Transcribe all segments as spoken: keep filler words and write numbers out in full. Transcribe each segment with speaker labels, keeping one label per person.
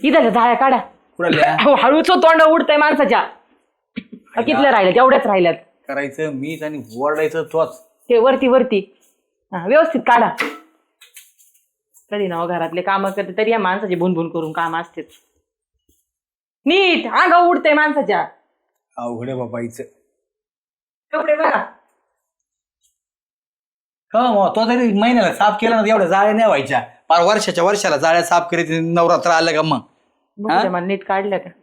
Speaker 1: इथं जाळ्या काढा. हळूच तोंड उडतंय माणसाच्या. कितल्या राहिल्यात? एवढ्याच राहिल्यात.
Speaker 2: करायचं मीच आणि ओरडायचं तोच.
Speaker 1: ते वरती वरती हा व्यवस्थित काढा. कधी ना घरातले काम करते तरी या माणसाची भुनभुन करून काम असते. नीट अंग उडतंय माणसाच्या.
Speaker 2: अवघड आहे बाबाईचं.
Speaker 1: कपडे बघा.
Speaker 2: हो तो तरी महिन्याला साफ केला ना एवढ्या जाळ्या नाही व्हायच्या. पार वर्षाच्या वर्षाला जाळ्या साफ करीत नवरात्र आलं का मग.
Speaker 1: मला नीट काढलं का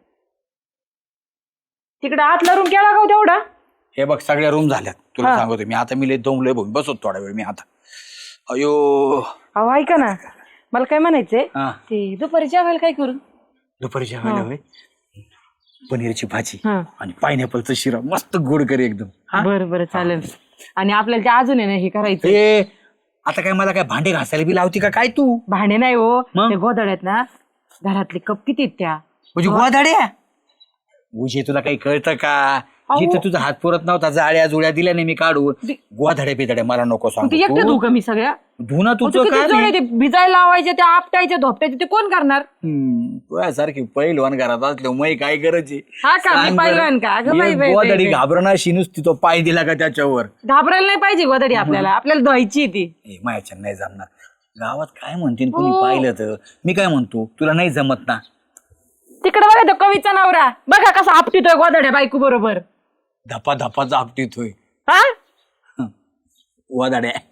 Speaker 1: तिकडे आतला रूम केला का तेवढा.
Speaker 2: हे बघ सगळ्या रूम झाल्यात तुला सांगतो मी. आता मी लय दमलोय बघ बसतो थोडा वेळ मी आता. अयो
Speaker 1: अहो ऐका ना मला काय म्हणायचंय ते दुपारी जेवायला काय करू.
Speaker 2: दुपारी जेवायला होय पनीरची भाजी आणि पायनॅपलचं शिरा मस्त गोड करे एकदम.
Speaker 1: बरं बरं चालेल. आणि आपल्याला ते अजून आहे ना हे करायचं.
Speaker 2: ए आता काय मला काय भांडे घासायला बी लावती का काय तू.
Speaker 1: भांडे नाही हो ते गोधड्यात ना घरातले कप किती आहेत त्या.
Speaker 2: म्हणजे गोधड्या उजे तुला काही कळतं का. जिथं तुझा हात पुरत नव्हता जाळ्या जुळ्या दिल्या नाही मी काढून. गोधड्या बिधड्या मला नको सांगू.
Speaker 1: एकटे धू का मी सगळ्या.
Speaker 2: धुणं तुझं काय
Speaker 1: भिजायला लावायचे ते आपटायचे धोपटायचे ते कोण करणार.
Speaker 2: तुझ्यासारखी पहिलवान घरात असल्या मै काय करायची.
Speaker 1: गोधडी
Speaker 2: गोधडी घाबरणाशी नुसती तो पाय दिला का त्याच्यावर.
Speaker 1: घाबरायला नाही पाहिजे गोधडी आपल्याला. आपल्याला धुवायची ती.
Speaker 2: मायाच्या नाही जमणार. गावात काय म्हणतील कोणी पाहिलं तर. मी काय म्हणतो तुला नाही जमत ना.
Speaker 1: तिकडे बघा तो कवीचा नवरा बघा कसा आपटितोय गोधड्या बायको बरोबर.
Speaker 2: धपा धपाचा आपटीतोय.
Speaker 1: हा
Speaker 2: वादाड्या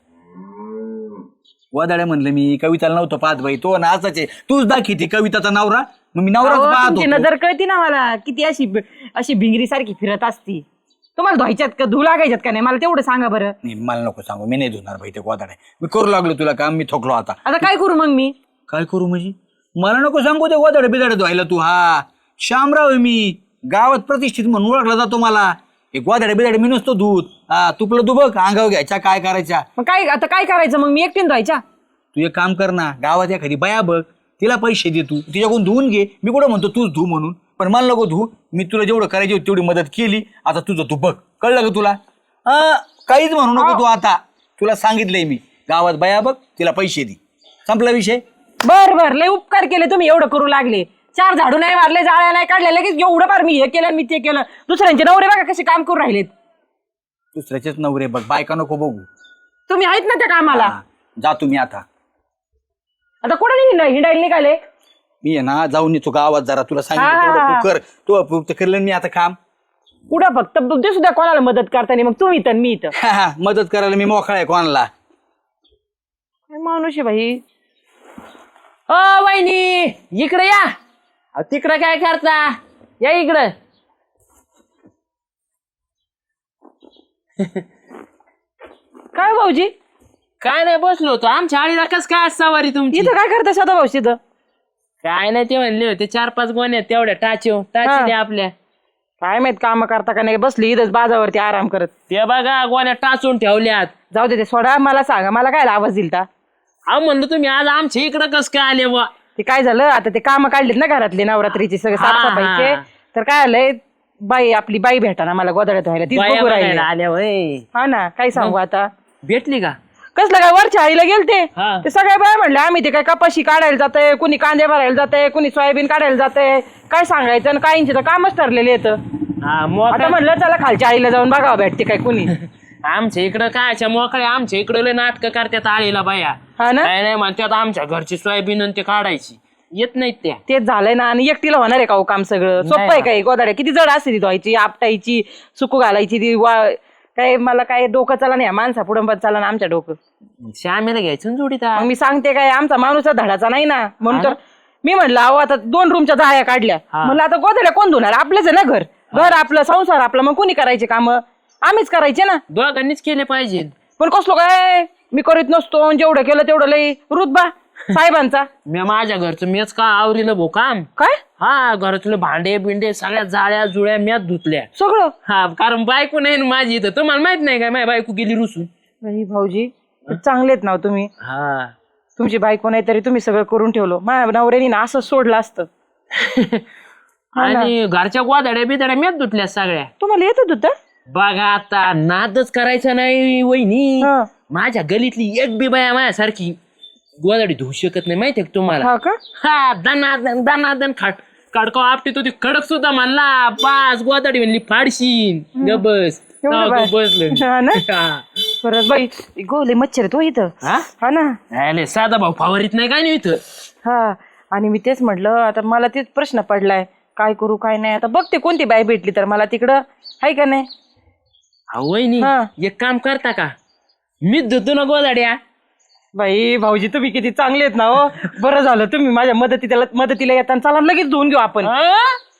Speaker 2: वादाड्या म्हणलं मी. कविताला नव्हतं पाहत बाई तो ना असाच आहे. तूच दाखी ती कविताचा नवरा मग मी नवराच पाहतो.
Speaker 1: नजर कळती ना मला किती अशी अशी भिंगरी सारखी फिरत असती. तुम्हाला धुवायच्यात का धुऊ लागायच्यात का नाही मला तेवढं सांगा बरं.
Speaker 2: नाही मला नको सांगू मी नाही धुणार बाई ते वादाड्या. मी करू लागलो तुला काम मी थकलो आता.
Speaker 1: आता काय करू मग मी.
Speaker 2: काय करू म्हणजे मला नको सांगू ते वादाडे बिदाडे धुवायला तू. हा शामराव आहे मी गावात प्रतिष्ठित म्हणून ओळखला जातो मला. एक वादाडे बिदाडे मी नसतो दूध. हा तुपलं तू बघ अंगावर घ्यायच्या काय करायच्या.
Speaker 1: मग काय आता काय करायचं मग मी एकटीन धुवायच्या.
Speaker 2: तू एक काम कर ना गावात एखादी बाया बघ तिला पैसे दे तू तिच्याकडून धुवून घे. मी कुठं म्हणतो तूच धू म्हणून पण मला नको धू. मी तुला जेवढं करायची होती तेवढी मदत केली. आता तुझं तू बघ कळलं का तुला. काहीच म्हणू नको तू आता. तुला सांगितलंय मी गावात बाया बघ तिला पैसे दे संपला विषय.
Speaker 1: बर बर लय उपकार केले तुम्ही एवढं करू लागले. चार झाडू नाही मारले जाळ्या नाही काढल्या लगेच एवढं फार मी हे केलं मी ते केलं. दुसऱ्यांचे नवरे बघा कसे काम करून राहिलेत.
Speaker 2: दुसऱ्याचेच नवरे बघ बायका नको बघू.
Speaker 1: तुम्ही आहेत ना त्या कामाला.
Speaker 2: जा तुम्ही आता.
Speaker 1: आता कुठे हिंडायला निघाले.
Speaker 2: मी आहे ना जाऊन येतो गावात जरा तुला सांगितलं तू कर तू करलं मी आता काम.
Speaker 1: कुठं फक्त ते सुद्धा कोणाला मदत करताना मग तुम्ही इथं मी इथं.
Speaker 2: मदत करायला मी मोकळा आहे कोणाला.
Speaker 1: माणूस आहे भाई. ओ वहिनी इकडे या. तिकडं काय करता या इकडं. काय भाऊजी
Speaker 3: काय नाही बसलो होतो. आमच्या आळीला कस काय सवारी तुमची.
Speaker 1: इथं काय करता सदा भाऊशी इथं.
Speaker 3: काय नाही ते म्हणले होते चार पाच गोण्या तेवढ्या टाचो टाची द्या आपल्या.
Speaker 1: काय माहित काम करता का नाही बसली इथंच बाजावरती आराम करत.
Speaker 3: ते बघा गोण्या टाचून ठेवल्यात.
Speaker 1: जाऊ दे ते सोडा मला सांगा मला काय आवाज दिलता.
Speaker 3: अहो म्हणलं तुम्ही आज आमच्या इकडं कस काय आले बा.
Speaker 1: ते काय झालं आता ते काम काढलेत ना घरातले नवरात्रीचे सगळे साफसफाईचे. तर काय आलंय बाई आपली बाई भेटा ना मला गोधड्यात व्हायला तीच बघू राहिली.
Speaker 3: आल्या वय
Speaker 1: हा ना काय सांगू आता.
Speaker 3: भेटली का.
Speaker 1: कसलं काय वरच्या आईला गेलते ते सगळ्या बाय म्हणले आम्ही ते काय कपाशी काढायला जातंय कुणी कांदे भरायला जातंय कुणी सोयाबीन काढायला जातंय. काय सांगायचं आणि काहींचे तर कामच ठरलेले येतं. आता म्हणलं चला खालच्या आईला जाऊन बघावं भेटते काय कुणी.
Speaker 3: आमच्या इकडं कायच्या मोकळे आमच्या इकडं लय नाटक करतात आळीला बाया.
Speaker 1: हा ना
Speaker 3: काय नाही म्हणतात आमच्या घरची सोयाबीन ते काढायची येत नाहीत त्या.
Speaker 1: तेच झालंय ना आणि एकटीला होणार आहे का हो काम सगळं. सोपं आहे काय गोदाड्या किती जड असते ती धुवायची आपटायची सुकू घालायची ती वा काय मला काय डोकं चला नाही माणसा पुढं चला ना आमच्या डोकं.
Speaker 3: श्यामेला घ्यायचं जोडीता.
Speaker 1: मग मी सांगते काय आमचा माणूस धडाचा नाही ना म्हणून तर मी म्हणलं अहो आता दोन रूमच्या जाळ्या काढल्या म्हणलं आता गोदाड्या कोण धुणार आपलेच आहे ना घर. घर आपलं संसार आपला मग कोणी करायचे काम आम्हीच करायचे ना.
Speaker 3: दोघांनीच केले पाहिजे.
Speaker 1: पण कसलो काय मी करीत नसतो जेवढं केलं तेवढं लई रुतबा साहेबांचा.
Speaker 3: मी माझ्या घरचं मीच का आवरीलं भो काम.
Speaker 1: काय
Speaker 3: हा घरातले भांडे बिंडे सगळ्या जाळ्या जुळ्या म्याच धुतल्या
Speaker 1: सगळं.
Speaker 3: हा कारण बायको नाही माझी इथं तुम्हाला माहित नाही काय माझी बायको गेली रुसून.
Speaker 1: भाऊजी चांगलेत ना तुम्ही.
Speaker 3: हा
Speaker 1: तुमची बायको नाही तरी तुम्ही सगळं करून ठेवलं. माझ्या नवऱ्यानी ना असं सोडलं असतं.
Speaker 3: आणि घरच्या गोदाड्या बिदाड्या म्याच धुतल्या सगळ्या.
Speaker 1: तुम्हाला येत होत
Speaker 3: बघा आता नादच करायचा नाही वहिनी. माझ्या गलीतली एक बी बाया माझ्यासारखी गोदाडी धुवू शकत नाही माहितीये का तुम्हाला
Speaker 1: हा का
Speaker 3: हा दनादन दनादन खाड काडकाव आपटी तो ती खडक सुद्धा म्हणला पाच गोदाडी म्हणली फाडशीन ग बस
Speaker 1: एवढं बाय.
Speaker 3: बसलं
Speaker 1: हा ना
Speaker 3: हा.
Speaker 1: परत बाई गोले मच्छर तो इथं
Speaker 3: हा?
Speaker 1: हा ना
Speaker 3: अरे साधा भाऊ फावरीत नाही काय नाही इथं
Speaker 1: हा आणि मी तेच म्हटलं आता मला तेच प्रश्न पडलाय काय करू काय नाही आता बघते कोणती बाई भेटली तर मला तिकडं आहे का नाही
Speaker 3: हा वहिनी
Speaker 1: हा.
Speaker 3: एक काम करता का मीच धुतो ना गोदाड्या
Speaker 1: बाई भाऊजी तुम्ही किती चांगले आहेत ना हो बरं झालं तुम्ही माझ्या मदतीला मदतीला येताना चला लगेच धुवून घेऊ आपण
Speaker 3: हा?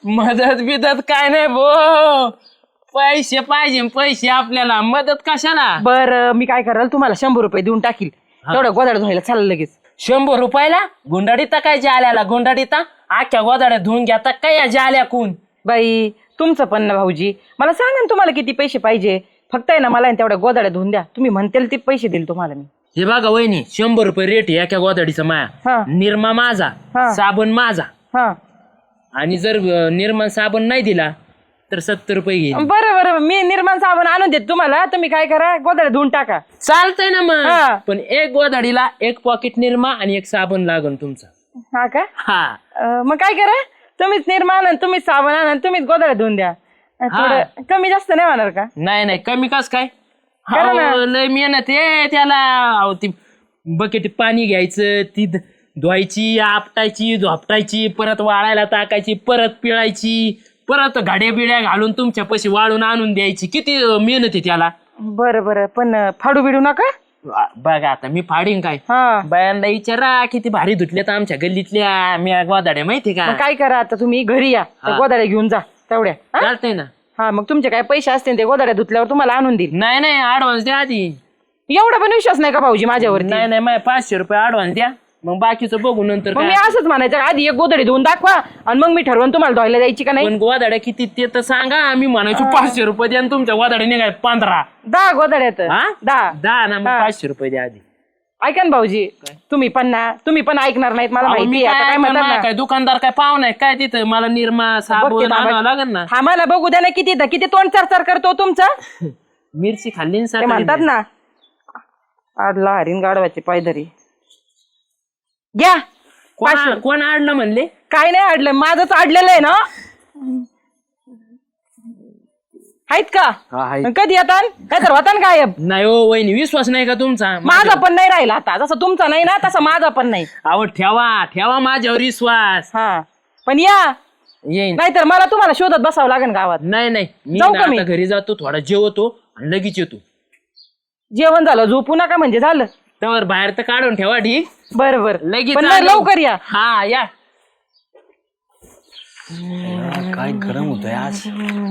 Speaker 3: मदत बिदत काय नाही भो पैसे पाहिजे पैसे आपल्याला मदत कशाला
Speaker 1: बरं मी काय कराल तुम्हाला शंभर रुपये देऊन टाकील तेवढं गोदाड धुवायला चाललं लगेच
Speaker 3: शंभर रुपयाला गुंडाडीता काय जाल्याला गुंडाडीता आख्या गोदाड्या धुवून घेता काय या जाल्या कोण
Speaker 1: बाई तुमचं पण ना भाऊजी मला सांगा ना तुम्हाला किती पैसे पाहिजे फक्त आहे ना मला आहे ना तेवढ्या गोदाड्या धुवून द्या तुम्ही म्हणतेल ते पैसे देईल तुम्हाला मी
Speaker 3: हे बघा वहिनी शंभर रुपये रेट आहे एका गोदाडीचा
Speaker 1: हा.
Speaker 3: माया निरमा माझा
Speaker 1: हा.
Speaker 3: साबण माझा
Speaker 1: हा
Speaker 3: आणि जर अं, निर्मा साबण नाही दिला तर सत्तर रुपये घेईन
Speaker 1: बरं बरं मी निर्माण साबण आणून देत तुम्हाला तुम्ही काय करा गोदाड्या धुवून टाका
Speaker 3: चालतंय ना मग
Speaker 1: हा.
Speaker 3: पण एक गोदाडीला एक पॉकेट निरमा आणि एक साबण लागन तुमचा
Speaker 1: हा का
Speaker 3: हा
Speaker 1: अं, मग काय करा तुम्हीच निर्माण आणि तुम्हीच साबण आणा आणि तुम्हीच गोदाड्या धुवून द्या अं, थोडं कमी जास्त नाही होणार का
Speaker 3: नाही नाही कमी कस काय
Speaker 1: करा ना.
Speaker 3: अहो, लय मेहनत आहे त्याला अहो, ती बकेट पाणी घ्यायचं ती ध- धुवायची आपटायची झोपटायची परत वाळायला टाकायची परत पिळायची परत गाड्या बिड्या घालून तुमच्या पैसे वाळून आणून द्यायची किती अं, मेहनत आहे त्याला
Speaker 1: बरं बरं पण अं, फाडू बिडू नका
Speaker 3: वा, बघा आता मी फाडीन काय
Speaker 1: हा
Speaker 3: बायांना विचारा किती भारी धुतल्यात आमच्या गल्लीतल्या मी गोदाड्या माहिती का
Speaker 1: मग काय करा आता तुम्ही घरी या त्या गोदाड्या घेऊन जा तेवढ्या हा?
Speaker 3: चालतंय ना
Speaker 1: हा मग तुमचे काय पैसे असतील ते गोदाड्या धुतल्यावर तुम्हाला आणून देईल
Speaker 3: नाही नाही ऍडव्हान्स द्या आधी
Speaker 1: एवढा पण विश्वास नाही का भाऊजी माझ्यावरती
Speaker 3: नाही नाही माझ्या पाचशे रुपये ऍडव्हान्स द्या मग बाकीचं बघू नंतर
Speaker 1: मग मी
Speaker 3: काय.
Speaker 1: असंच म्हणायचं आधी एक गोदडी धुवून दाखवा आणि मग मी ठरवून तुम्हाला धुवायला जायची का नाही
Speaker 3: पण गोदाड्या किती ते तर सांगा आम्ही म्हणायचो पाचशे रुपये द्या आणि तुमच्या गोदाड्या निघाय पंधरा
Speaker 1: दहा गोदड्यात
Speaker 3: हा?
Speaker 1: दहा
Speaker 3: दहा ना मग
Speaker 1: हा.
Speaker 3: पाचशे रुपये द्या आधी
Speaker 1: ऐका ना भाऊजी तुम्ही पण ना तुम्ही पण ऐकणार नाहीत मला
Speaker 3: अहो,
Speaker 1: माहिती
Speaker 3: मी
Speaker 1: आहे. आता
Speaker 3: काय
Speaker 1: काय म्हणतात
Speaker 3: ऐकणार,
Speaker 1: ना
Speaker 3: काय दुकानदार काय पाहुणा आहे काय तिथं मला निरमा
Speaker 1: बघते
Speaker 3: साबण
Speaker 1: थांबा.
Speaker 3: आणावं लागेल ना
Speaker 1: आम्हाला बघू द्या ना किती किती तोंड चार चार करतो तुमचं
Speaker 3: मिरची खाल्ली ना
Speaker 1: ते
Speaker 3: सकाळी
Speaker 1: म्हणतात ना आडला हरीण गाडवाची पायधरी घ्या पाचशे.
Speaker 3: कोण कोण आणलं म्हणले
Speaker 1: काय नाही अडलं माझंच अडलेलं आहे ना आहेत का कधी येतात काय तर होता गायब
Speaker 3: नाही हो वहिनी विश्वास नाही का तुमचा
Speaker 1: माझा पण नाही राहिला आता जसं तुमचा नाही ना तसा माझा पण नाही
Speaker 3: अहो ठेवा ठेवा माझ्यावर विश्वास
Speaker 1: हा पण या
Speaker 3: येईन
Speaker 1: नाहीतर मला तुम्हाला शोधत बसावं लागेल गावात
Speaker 3: नाही नाही मी
Speaker 1: जाऊ
Speaker 3: ना
Speaker 1: का मी?
Speaker 3: आता घरी जातो थोडा जेवतो आणि लगेच येतो
Speaker 1: जेवण झालं झोपू नका म्हणजे झालं
Speaker 3: त्यावर बाहेर तर काढून ठेवा ठीक
Speaker 1: बरं बरं
Speaker 3: लगेच
Speaker 1: पण
Speaker 3: आलो.
Speaker 1: लवकर या
Speaker 3: हा या
Speaker 2: काय गरम होतंय आज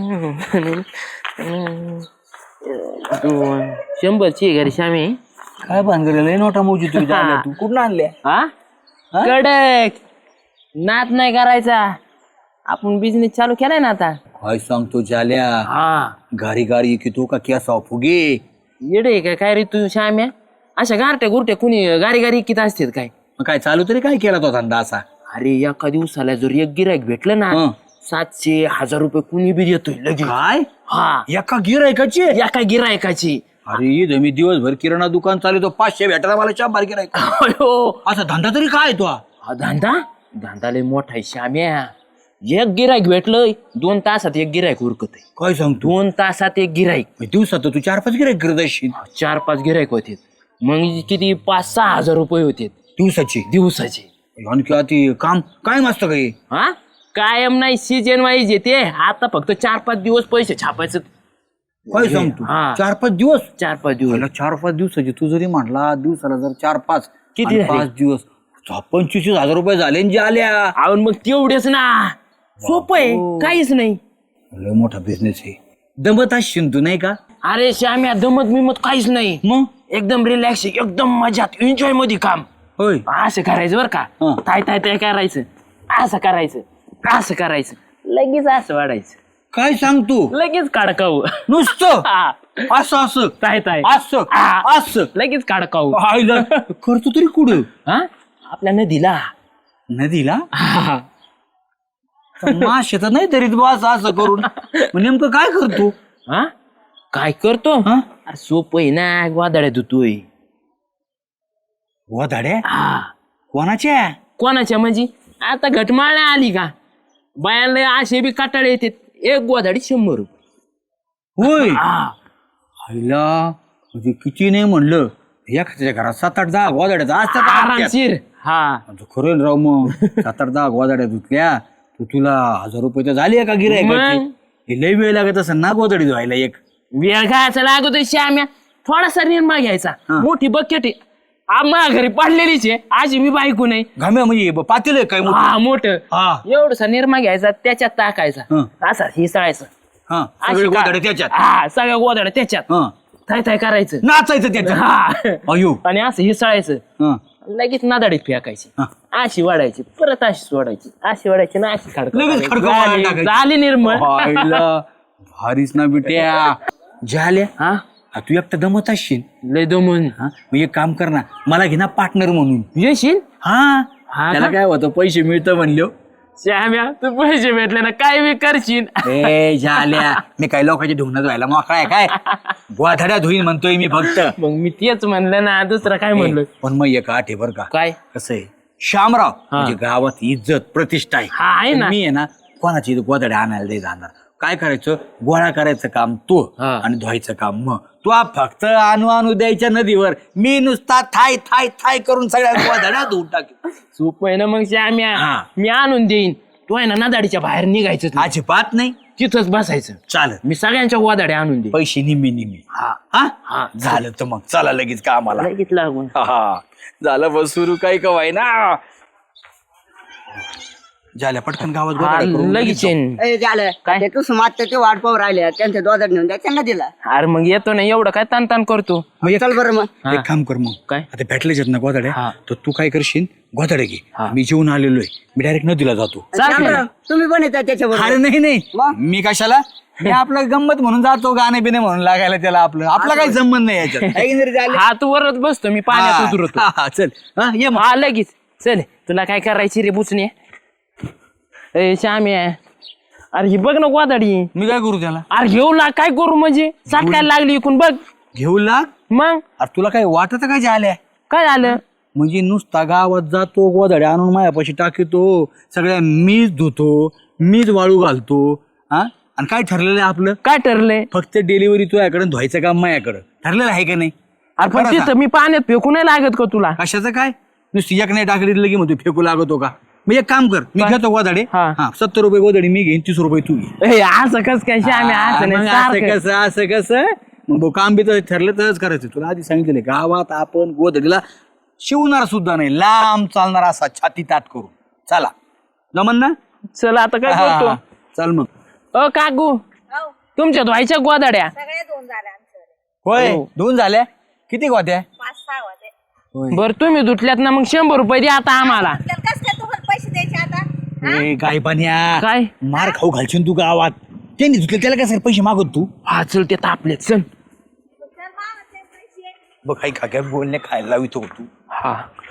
Speaker 3: दोन शंभरची घरी श्यामी
Speaker 2: काय भानगडलेलं आहे नोटा मोजी तू तू कुठून आणल्या
Speaker 3: हा कडक नात नाही करायचा आपण बिझनेस चालू केलाय ना आता
Speaker 2: काय सांगतो जाल्या
Speaker 3: हा
Speaker 2: गाडी गाडी की तू का केसा फुगे
Speaker 3: येडे काय काय रे तू श्याम्या अशा गारट्या गुरट्या कुणी गारी गारी किती असतात काय
Speaker 2: मग काय चालू तरी काय केला तो धंदा असा
Speaker 3: अरे एका दिवसाला जर एक गिरायक भेटलं ना
Speaker 2: हं.
Speaker 3: सातशे हजार रुपये कुणी बी देतोय लगेच
Speaker 2: काय
Speaker 3: हा
Speaker 2: एका गिरायकाची
Speaker 3: एका गिरायकाची
Speaker 2: अरे इथं मी दिवसभर किराणा दुकान चालू पाचशे भेटायला मला शंभर गिरायक असा धंदा तरी काय तो हा?
Speaker 3: हा धंदा धंदा लय मोठा आहे श्याम्या एक गिरायक भेटलं दोन तासात एक गिरायक उरकत आहे
Speaker 2: काय सांगतो
Speaker 3: दोन तासात एक गिरायक
Speaker 2: दिवसात तर तू चार पाच गिरायक करत असशील
Speaker 3: चार पाच गिरायक होते मग किती पाच सहा हजार रुपये होते
Speaker 2: दिवसाची
Speaker 3: दिवसाचे
Speaker 2: आणखी ती काम काय मस्त काही
Speaker 3: हा कायम नाही सीजन वाईज येते आता फक्त चार पाच दिवस पैसे छापायचं
Speaker 2: काय सांगतो
Speaker 3: हा.
Speaker 2: चार पाच दिवस
Speaker 3: चार पाच दिवस
Speaker 2: मला चार पाच दिवसाची तू जरी म्हटला दिवसाला जर चार पाच
Speaker 3: किती
Speaker 2: आणि
Speaker 3: झाले?
Speaker 2: पाच दिवस चा- पंचवीस हजार रुपये झाले न जे आल्या
Speaker 3: आवड मग तेवढेच ना सोपं आहे काहीच नाही
Speaker 2: लय मोठा बिझनेस आहे दमत असशील तू नाही का
Speaker 3: अरे श्याम्या दमत बिमत काहीच नाही
Speaker 2: मग
Speaker 3: एकदम रिलॅक्स एकदम मजात एन्जॉय मध्ये काम
Speaker 2: होय
Speaker 3: असं करायचं बरं का
Speaker 2: हं.
Speaker 3: ताय ताय ताय करायचं असं करायचं असं करायचं लगेच असं वाढायचं
Speaker 2: काय सांगतो
Speaker 3: लगेच काढकाऊ
Speaker 2: नुसतं
Speaker 3: हा.
Speaker 2: असं असं
Speaker 3: ताय ताय
Speaker 2: असं
Speaker 3: हा.
Speaker 2: असं
Speaker 3: लगेच काढकाऊ
Speaker 2: आईला करतो तरी कुठं
Speaker 3: हा आपल्या नदीला
Speaker 2: नदीला
Speaker 3: हा.
Speaker 2: मासे तर नाही तरी बस असं करून मग नेमकं काय करतो
Speaker 3: हा काय करतो
Speaker 2: हा
Speaker 3: अरे सोपं आहे ना वादळ्या धुतोय
Speaker 2: गोधड्या
Speaker 3: हा
Speaker 2: कोणाच्या?
Speaker 3: कोणाच्या म्हणजे आता घटमाळ आली का बायांना असे बी काटाळे येते एक गोधाडी शंभर रुपये
Speaker 2: होय
Speaker 3: हा
Speaker 2: आईला म्हणजे किती नाही म्हणलं एखाद्या घरात सात आठ दहा गोधड्या असतात
Speaker 3: आरामशीर हा
Speaker 2: आता खरं राव मग सात आठ दहा गोधड्या धुतल्या तर तुला हजार रुपये तर झाले का गिरायकाची?
Speaker 3: मग?
Speaker 2: हे लय वेळ लागत असं ना गोधडी धुवायला एक.
Speaker 3: वेळ घ्यायचा लागतोय श्याम्या थोडासा निर्मा घ्यायचा
Speaker 2: हा.
Speaker 3: मोठी बकेट आहे आम्हा घरी पाडलेलीच आहे आजी मी बायको नाही
Speaker 2: घाम्या म्हणजे ब- पातेल आहे काय मोठं?
Speaker 3: हा मोठं
Speaker 2: हा
Speaker 3: एवढसा निर्मा घ्यायचा त्याच्यात टाकायचा
Speaker 2: हं.
Speaker 3: असा हिसळायचं
Speaker 2: हा
Speaker 3: अशी
Speaker 2: सगळे
Speaker 3: का-
Speaker 2: गोधड्या त्याच्यात
Speaker 3: हा सगळ्या गोधड्या त्याच्यात
Speaker 2: हा
Speaker 3: थाय थाय करायचं
Speaker 2: नाचायचं त्याच्यात
Speaker 3: हा
Speaker 2: अयो
Speaker 3: आणि असं हिसळायचं
Speaker 2: हा
Speaker 3: लगेच नादाडीत फेकायची
Speaker 2: हा.
Speaker 3: अशी वाढायची परत अशी सोडायची अशी वाढायची ना अशी खडक
Speaker 2: लगेच खडकं वाढायला टाकायची.
Speaker 3: झाली निर्मळ
Speaker 2: आईला भारीच ना बिट्या झाल्या
Speaker 3: हा
Speaker 2: हा, तू एकटा दमत असशील
Speaker 3: लय दमून
Speaker 2: हा मग एक काम कर ना मला घे ना पार्टनर म्हणून.
Speaker 3: येशील
Speaker 2: हा
Speaker 3: हा
Speaker 2: त्याला
Speaker 3: का?
Speaker 2: काय होतं पैसे मिळतं म्हणलो.
Speaker 3: श्याम्या तू पैसे भेटले ना काय बी करशील
Speaker 2: ए झाल्या मी काही लोकांच्या धुवण्यात व्हायला मोकळा आहे काय गोधड्या धुईन म्हणतोय मी फक्त.
Speaker 3: मग मी तेच म्हणलं ना दुसरं काय म्हणलं
Speaker 2: पण मग एक आठ आहे बरं का
Speaker 3: काय
Speaker 2: कसं आहे श्यामराव म्हणजे गावात इज्जत प्रतिष्ठा आहे.
Speaker 3: हा आहे ना
Speaker 2: मी आहे ना कोणाची गोधड्या आणायला नाही जाणार. काय करायचं गोळा करायचं काम तू
Speaker 3: हा.
Speaker 2: आणि धुवायचं काम मग तू आ फक्त आणू आणू द्यायच्या नदीवर मी नुसता थाय थाय थाय करून सगळ्या गोधड्या धुवून टाकेल.
Speaker 3: सोपं आहे ना मग श्याम्या
Speaker 2: हा.
Speaker 3: मी आणून देईन तू आहे ना नादाडीच्या बाहेर निघायचं नाही.
Speaker 2: अजिबात नाही
Speaker 3: तिथंच बसायचं
Speaker 2: चालत
Speaker 3: मी सगळ्यांच्या गोदाड्या आणून देईन
Speaker 2: पैसे निम्मे निम्मे
Speaker 3: हा
Speaker 2: हा
Speaker 3: हा.
Speaker 2: झालं तर मग चला लगेच कामाला.
Speaker 3: लगेच लागून
Speaker 2: हा, हा झालं बस सुरू काही कवाय ना झाल्या पटकन गावात
Speaker 3: हा,
Speaker 2: गोधड्या करून
Speaker 3: लगेच
Speaker 2: जाऊ.
Speaker 3: येईन.
Speaker 4: ए, झालं
Speaker 3: काय?
Speaker 4: ते कुसुमात ते वाट पाहू राहिले त्यांच्या दोधात नेऊन द्या त्यांना दिला
Speaker 3: अरे मग येतो ना एवढं काय ताण ताण करतो
Speaker 2: मग एक
Speaker 4: चल बरं मग
Speaker 3: हा.
Speaker 2: एक काम कर मग
Speaker 3: काय?
Speaker 2: आता भेटलेच आहेत ना गोधड्या
Speaker 3: हा.
Speaker 2: तर तू काय करशील गोधड्या घे
Speaker 3: हा.
Speaker 2: मी जेवून आलेलो आहे मी डायरेक्ट नदीला जातो.
Speaker 3: चालतंय.
Speaker 4: शामराव, तुम्ही पण येतात
Speaker 2: अरे
Speaker 4: त्याच्याबरोबर
Speaker 2: नाही नाही
Speaker 4: मग?
Speaker 2: मी कशाला मी आपलं गंमत म्हणून जातो गाणे बिणे म्हणून लागायला त्याला आपलं आपला काही संबंध नाही याच्यात.
Speaker 4: काही जरी झालं
Speaker 3: हा तू वरच बसतो मी पाण्यात उतरतो
Speaker 2: हा, हा, चल हा, ये मग
Speaker 3: हा लगेच चल तुला काय करायची रे बुचणे ए श्याम्या अरे ही बघ ना गोदाडी
Speaker 2: मी काय करू त्याला
Speaker 3: अरे घेऊ लाग काय करू म्हणजे साठकायला लागली इकून बघ
Speaker 2: घेऊ लाग.
Speaker 3: मग
Speaker 2: अरे तुला काय वाटत काय झाल्या
Speaker 3: काय झालं
Speaker 2: म्हणजे नुसता गावात जातो गोधड्या आणून मायापाशी टाकीतो सगळ्या मीच धुतो मीच वाळू घालतो हा आणि काय ठरलेलं आहे आपलं
Speaker 3: काय ठरलंय
Speaker 2: फक्त डिलिव्हरी तुझ्याकडे धुवायचं काम माझ्याकडं ठरलेलं आहे का नाही.
Speaker 3: अरे पण
Speaker 2: बरं
Speaker 3: तिथं मी पाण्यात फेकू नाही लागत का तुला
Speaker 2: कशाचं काय नुसती एक नाही टाकली लगे म्हणतो फेकू लागतो का. मी एक काम कर मी घेतो गोधडे
Speaker 3: हा.
Speaker 2: हा सत्तर रुपये गोधडी मी घेईन तीस रुपये तू घे.
Speaker 3: ए, असं कस काय श्याम्या
Speaker 2: हा,
Speaker 3: असं
Speaker 2: मग
Speaker 3: नाही
Speaker 2: असं
Speaker 3: सारखं.
Speaker 2: कसं असं कसं मग भाऊ, काम बी तर ठरलं तरच करायचं. तुला आधी सांगितलं गावात आपण गोधडीला शिवणार सुद्धा नाही लांब चालणार असा छाती ताट करू चला जमन ना.
Speaker 3: चल आता काय
Speaker 2: हा,
Speaker 3: करतो
Speaker 2: चल मग
Speaker 3: अ काकू तुमच्या धुवायच्या गोदाड्या
Speaker 5: सगळे दोन झाले आमच्याकडे
Speaker 2: होय
Speaker 3: हो.
Speaker 2: दोन झाल्या किती गोत्या
Speaker 5: पाच सहा होते
Speaker 3: बर तुम्ही धुतल्यात ना मग शंभर रुपये द्या आता आम्हाला
Speaker 5: तर कस काय तुम्हाला पैसे द्यायचे आता
Speaker 2: ए, गाय पाण्या
Speaker 3: काय?
Speaker 2: मार खाऊ घालशील तू गावात त्यांनी धुतले त्याला काय पैसे मागत तू
Speaker 3: हा चल ते तापलेत चल
Speaker 5: तर मागायचे पैसे
Speaker 2: बघ काही खाक्या बोलणे खायला लावितो तू.
Speaker 3: हा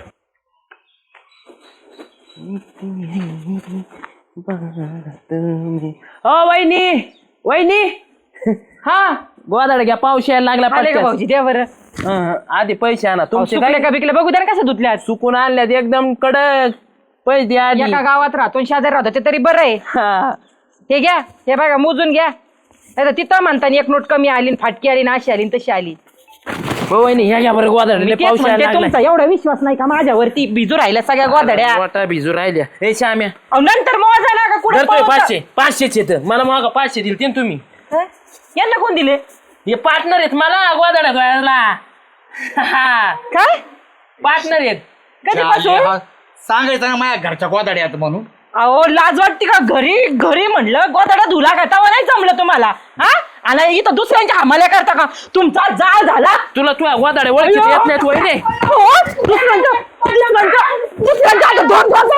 Speaker 3: ओ वहिनी वहिनी हा गोदाड घ्या पाऊस यायला लागला
Speaker 1: आले का
Speaker 3: पटकन.
Speaker 1: भाऊजी द्या बरं.
Speaker 3: हं, आधी पैसे आणा तुमचे
Speaker 1: सुकले
Speaker 3: काय
Speaker 1: का बिकले बघू द्या ना कसं धुतल्यात.
Speaker 3: चुकून आणल्यात एकदम कडक पैसे द्या आधी
Speaker 1: एका गावात राहतो आणि शेजारी राहतो ते तरी बरं आहे.
Speaker 3: हा.
Speaker 1: हे घ्या हे बघा मोजून घ्या नाही तर तिथं म्हणताना एक नोट कमी आली आणि फाटकी आली ना अशी आली आणि तशी आली.
Speaker 3: हो वहिनी ह्या घ्या बरं गोदाड
Speaker 1: मी तेच
Speaker 3: पाऊस
Speaker 1: म्हणते,
Speaker 3: यायला
Speaker 1: तुमचा
Speaker 3: लागला
Speaker 1: एवढा विश्वास नाही का माझ्यावरती भिजू राहिल्या सगळ्या गोधड्या.
Speaker 3: वाटा भिजू राहिल्या हे श्याम्या
Speaker 1: अहो, नंतर मोजा ना का कुठे
Speaker 3: धरतोय पाचशे पाचशेच येत मला मग पाचशे दिल ते तुम्ही
Speaker 1: यांना कोण दिले
Speaker 3: हे पार्टनर आहेत मला गोदाड्या धुवायला
Speaker 1: काय
Speaker 3: पार्टनर आहेत
Speaker 1: कधीपासून
Speaker 2: हा, सांगायचं ना माझ्या घरच्या गोदाड्यात म्हणून.
Speaker 1: अहो लाज वाटते का घरी घरी म्हणलं गोदाडा धुला का तेव्हा नाही जमलं तुम्हाला हा आणि इथं दुसऱ्यांच्या हमाल्या करता का तुमचा जाळ झाला.
Speaker 3: तुला तुझ्या गोदाड्या ओळखीत येत नाहीत वहिनी
Speaker 1: हो, दुसऱ्यांच्या दुसऱ्यांच्या दुसऱ्यांच्या आता दोन दोन